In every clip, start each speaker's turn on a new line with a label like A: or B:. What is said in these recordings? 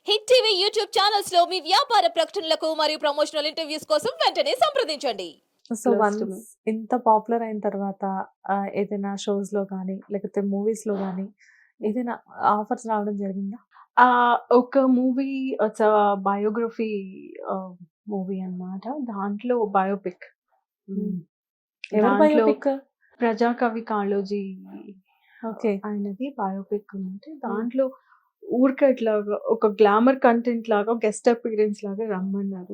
A: Hit TV YouTube channels లో మీ వ్యాపార ప్రకటనలకు మరియు ప్రమోషనల్ ఇంటర్వ్యూస్ కోసం వెంటనే సంప్రదించండి.
B: So
C: close to me.
B: Once ఇంత పాపులర్ అయిన తర్వాత ఏదైనా షోస్‌లో గానీ, లేకపోతే మూవీస్‌లో గానీ ఏదైనా ఆఫర్స్ రావడం జరిగిందా?
C: ఒక మూవీ ఇట్స్ బయోగ్రఫీ మూవీ అన్నమాట. దాంట్లో బయోపిక్.
B: ఎవరి
C: దాంట్లో
B: బయోపిక్?
C: ప్రజాకవి కాళోజీ
B: ఓకే.
C: ఆయనది బయోపిక్ ఉంటే దాంట్లో ఊరికే ఇట్లాగా ఒక గ్లామర్ కంటెంట్ లాగా గెస్ట్ అపీరెన్స్ లాగా రమ్మన్నారు.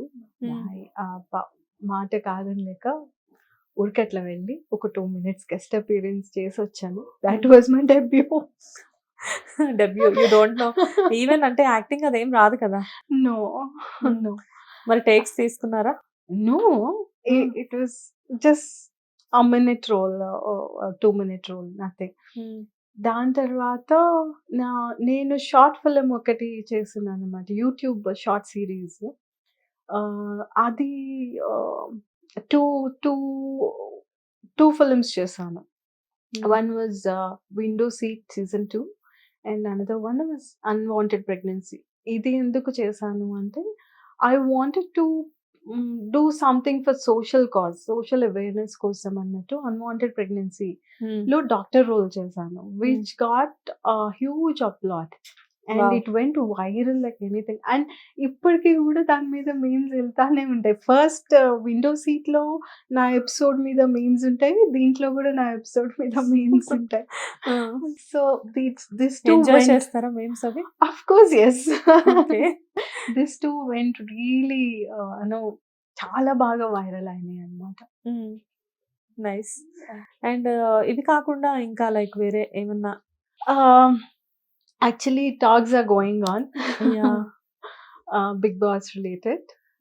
C: మాట కాదని లేక ఊరికే అట్లా వెళ్ళి ఒక 2 మినిట్స్ గెస్ట్ అపీరెన్స్ చేసి వచ్చాను. That was my debut.
B: Debut you don't know. Even అంటే యాక్టింగ్ అదేం రాదు కదా!
C: నో నో
B: మరి టేక్స్ తీసుకున్నారా?
C: No it was just a minute role, 2-minute role, nothing. దాని తర్వాత నేను షార్ట్ ఫిల్మ్ ఒకటి చేస్తున్నాను అనమాట. YouTube short series. అది టూ టూ టూ ఫిల్మ్స్ చేశాను. One was window seat season 2 and another one was unwanted pregnancy. ఇది ఎందుకు చేశాను అంటే I wanted to do something for social cause, social awareness కోసం అన్నట్టు అన్వాంటెడ్ ప్రెగ్నెన్సీ లో డాక్టర్ రోల్ చేశాను, which got huge applaud and
B: Wow.
C: It went viral like anything. And ఇప్పటికీ కూడా దాని మీద మీమ్స్ వెళ్తానే ఉంటాయి. ఫస్ట్ విండో సీట్ లో నా ఎపిసోడ్ మీద మీమ్స్ ఉంటాయి, దీంట్లో కూడా నా ఎపిసోడ్ మీద మీమ్స్ ఉంటాయి. సో దిస్ టూ
B: ఎంజాయ్ చేస్తారా మీమ్స్ అవి?
C: of course yes.
B: Okay.
C: this too went really చాలా బాగా వైరల్ అయినాయి అన్నమాట.
B: నైస్. అండ్ ఇవి కాకుండా ఇంకా లైక్ వేరే ఏమన్నా?
C: Actually talks are going on.
B: Yeah.
C: Big Boss related.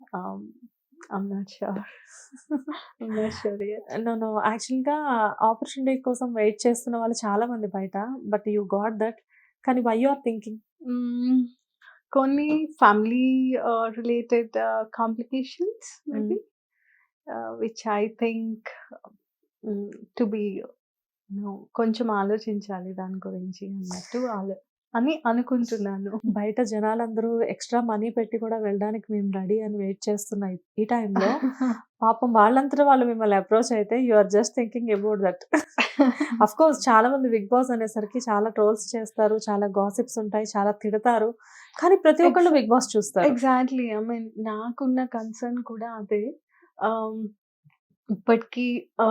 C: I'm not sure. I'm not sure yet.
B: No యాక్చువల్‌గా ఆపర్చునిటీ కోసం వెయిట్ చేస్తున్న వాళ్ళు చాలా మంది బయట. But you got that. కానీ వై యూ ఆర్ థింకింగ్?
C: కొన్ని family related complications maybe which I think to be కొంచెం ఆలోచించాలి దాని గురించి అన్నట్టు అని అనుకుంటున్నాను.
B: బయట జనాలందరూ ఎక్స్ట్రా మనీ పెట్టి కూడా వెళ్ళడానికి మేము రెడీ అని వెయిట్ చేస్తున్న ఈ టైంలో పాపం వాళ్ళంతటా వాళ్ళు మిమ్మల్ని అప్రోచ్ అయితే you are just thinking about that. Of course చాలా మంది బిగ్ బాస్ అనేసరికి చాలా ట్రోల్స్ చేస్తారు, చాలా గాసిప్స్ ఉంటాయి, చాలా తిడతారు. కానీ ప్రతి ఒక్కళ్ళు బిగ్ బాస్ చూస్తారు.
C: ఎగ్జాక్ట్లీ. ఐ మీన్ నాకున్న కన్సర్న్ కూడా అదే. ఇప్పటికీ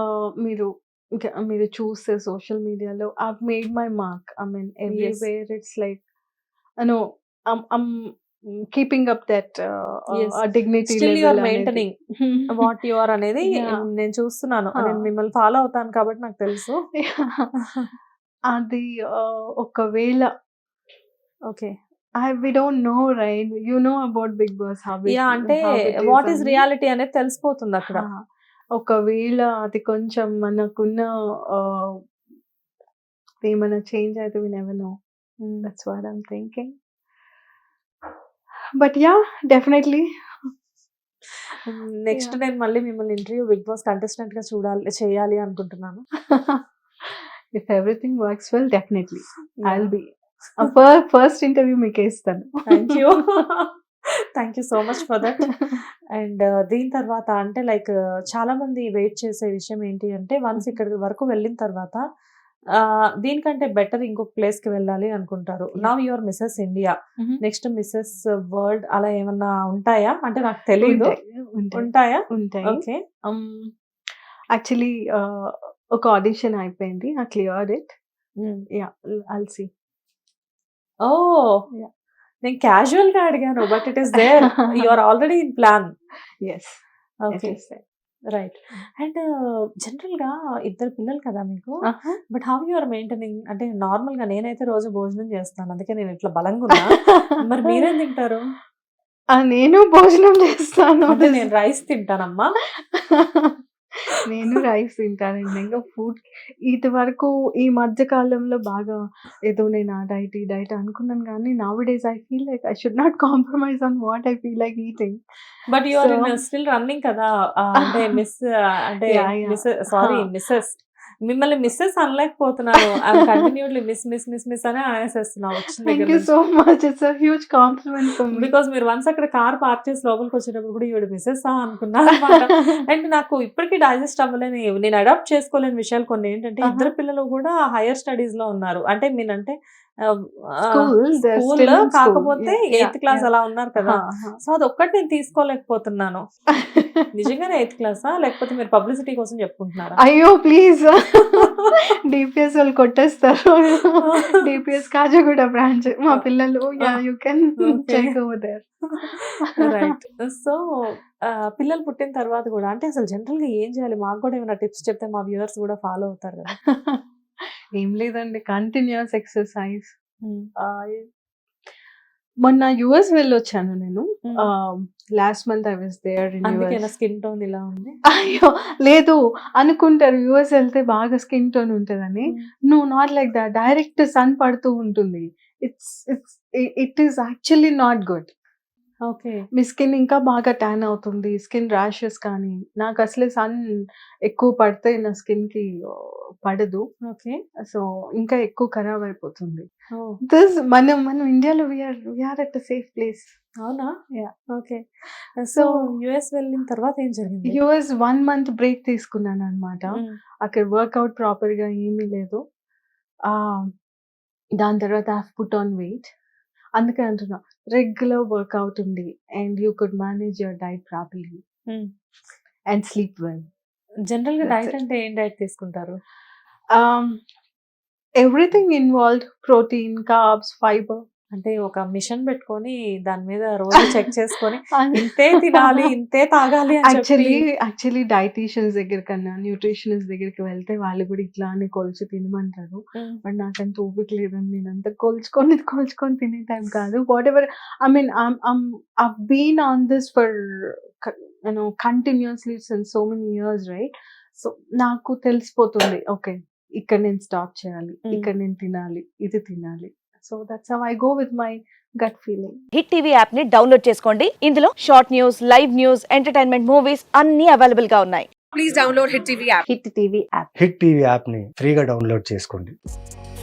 C: మీరు చూస్తే సోషల్ మీడియాలో I've made my mark. I mean everywhere it's like I'm keeping up that dignity
B: still you are
C: level
B: maintaining what you are అనేది
C: Yeah.
B: నేను చూస్తున్నాను. నేను మిమ్మల్ని ఫాలో అవుతాను కాబట్టి నాకు తెలుసు.
C: అది ఒకవేళ
B: okay.
C: we don't know, right? You know about Big Boss, how it
B: అంటే
C: how it is
B: what is
C: అని.
B: రియాలిటీ అనేది తెలిసిపోతుంది అక్కడ.
C: ఒకవేళ అది కొంచెం మనకున్న ఏమైనా చేంజ్ అయితే we never know. That's what I'm thinking. But yeah, definitely.
B: Next
C: Yeah.
B: నేను మళ్ళీ మిమ్మల్ని ఇంటర్వ్యూ బిగ్ బాస్ కంటెస్టెంట్ గా చేయాలి అనుకుంటున్నాను.
C: If everything works well, definitely I'll
B: Yeah.
C: be first interview మీకే ఇస్తాను.
B: Thank you. Thank you so much for that. And దీని తర్వాత అంటే లైక్ చాలా మంది వెయిట్ చేసే విషయం ఏంటి అంటే వన్స్ ఇక్కడి వరకు వెళ్ళిన తర్వాత దీనికంటే బెటర్ ఇంకొక ప్లేస్ కి వెళ్ళాలి అనుకుంటారు. Now your Mrs India, next Mrs World అలా ఏమన్నా ఉంటాయా? అంటే నాకు తెలియదు. ఉంటాయా?
C: ఉంటాయి.
B: ఓకే.
C: యాక్చువల్లీ ఒక ఆడిషన్ అయిపోయింది, I cleared it. Yeah, I'll see.
B: Oh
C: Yeah.
B: నేను క్యాజువల్ గా అడిగాను, but it is there. You are already in plan.
C: Yes,
B: okay,
C: it is there.
B: Right. And general గా ఇద్దరు పిల్లలు కదా మీకు. But how you are maintaining? అంటే normal గా నేనైతే రోజు భోజనం చేస్తాను, అందుకే నేను ఇట్లా బలంగా ఉన్నా. మరి మీరేం తింటారు?
C: నేను భోజనం చేస్తాను.
B: అంటే నేను రైస్ తింటానమ్మా.
C: నేను రైస్ తింటానండి. ఇంకా ఫుడ్ ఇది వరకు ఈ మధ్య కాలంలో బాగా ఏదో నేను ఆ డైట్ ఈ డైట్ అనుకున్నాను, కానీ now days I feel like I should not compromise on what I feel like eating.
B: But you are
C: So-
B: still running కదా. అంటే మిస్ అంటే
C: Yeah, yeah.
B: మిస్సెస్ మిమ్మల్ని మిస్సెస్ అనలేకపోతున్నాను. ఐఎమ్ కంటిన్యూడ్లీ మిస్ అని అనేసేస్తున్నా వచ్చిన
C: థ్యాంక్
B: దగ్గర
C: యూ
B: నుంచి.
C: So much. It's a huge compliment for me.
B: Because మీరు వన్స్ అక్కడ కార్ పార్క్ చేసి లోపలికి వచ్చేటప్పుడు కూడా ఈవిడ మిస్సెస్ అనుకున్నా అనమాట. అండ్ నాకు ఇప్పటికీ డైజెస్ట్ అవ్వలేని, నేను అడాప్ట్ చేసుకోలేని విషయాలు కొన్ని ఏంటంటే, ఇద్దరు పిల్లలు కూడా హైయర్ స్టడీస్ లో ఉన్నారు. అంటే మీనంటే
C: School, they're
B: school
C: still in school.
B: కాకపోతే
C: Yeah,
B: 8th క్లాస్
C: yeah.
B: అలా ఉన్నారు కదా. సో అది ఒక్కటి నేను తీసుకోలేకపోతున్నాను. నిజంగానే 8th క్లాసా లేకపోతే మీరు పబ్లిసిటీ కోసం చెప్పుకుంటున్నారా?
C: అయ్యో ప్లీజ్ డిపిఎస్ వాళ్ళు కొట్టేస్తారు. డిపిఎస్ కాజాగూడ బ్రాంచ్ మా పిల్లలు. Yeah you can
B: Okay.
C: Check over there.
B: Right. So పిల్లలు పుట్టిన తర్వాత కూడా అంటే అసలు జనరల్ గా ఏం చేయాలి? మాకు కూడా ఏమైనా టిప్స్ చెప్తే మా వ్యూవర్స్ కూడా ఫాలో అవుతారు కదా.
C: ఏం లేదండి, కంటిన్యూస్ ఎక్సర్సైజ్. మొన్న యుఎస్ వెళ్ళొచ్చాను నేను. Last month I was there in
B: అందుకే
C: యుఎస్.
B: స్కిన్ టోన్ ఇలా ఉంది.
C: అయ్యో లేదు, అనుకుంటారు యుఎస్ వెళ్తే బాగా స్కిన్ టోన్ ఉంటుందని. No, not like that. Direct sun పడుతూ ఉంటుంది. It is actually not good.
B: Okay.
C: మీ స్కిన్ ఇంకా బాగా ట్యాన్ అవుతుంది, స్కిన్ ర్యాషెస్ కానీ. నాకు అసలే సన్ ఎక్కువ పడితే నా స్కిన్ కి పడదు.
B: ఓకే.
C: సో ఇంకా ఎక్కువ ఖరాబ్ అయిపోతుంది. మనం ఇండియాలో వీఆర్ ఎట్ సేఫ్ ప్లేస్.
B: అవునా?
C: Yeah.
B: Okay. So
C: So-
B: US వెళ్ళిన తర్వాత ఏం జరిగింది?
C: యుఎస్ 1 month బ్రేక్ తీసుకున్నాను అనమాట. అక్కడ వర్కౌట్ ప్రాపర్ గా ఏమీ లేదు. దాని తర్వాత ఐ పుట్ ఆన్ వెయిట్. అందుకే అంటున్నా, రెగ్యులర్ వర్కౌట్ ఉంది and you could manage your diet properly and sleep well.
B: General గా
C: That's
B: డైట్
C: it.
B: అంటే ఏం డైట్ తీసుకుంటారు?
C: Everything involved, protein, carbs, fibre.
B: అంటే ఒక మిషన్ పెట్టుకొని దాని మీద రోజు చెక్ చేసుకొని ఇంతే తినాలి, ఇంతే తాగాలి అని చెప్పి.
C: యాక్చువల్లీ డైటీషియన్స్ దగ్గర కన్నా న్యూట్రిషనిస్ట్ దగ్గరికి వెళ్తే వాళ్ళు కూడా ఇట్లానే కొలిచి తినమంటారు. బట్ నాకంత ఓపిక లేదండి, నేను అంత కోల్చుకొని తినే టైం కాదు. Whatever I mean I've been on this for continuously since so many years, right? So నాకు తెలిసిపోతుంది, ఓకే ఇక్కడ నేను స్టాప్ చేయాలి, ఇక్కడ నేను తినాలి, ఇది తినాలి. So that's how I go with my gut feeling.
D: Hit TV app ని డౌన్లోడ్ చేసుకోండి. ఇందులో short news, live news, entertainment movies అన్ని అవైలబుల్ గా ఉన్నాయి.
E: హిట్ టీవీ యాప్ని ఫ్రీగా డౌన్లోడ్ చేసుకోండి.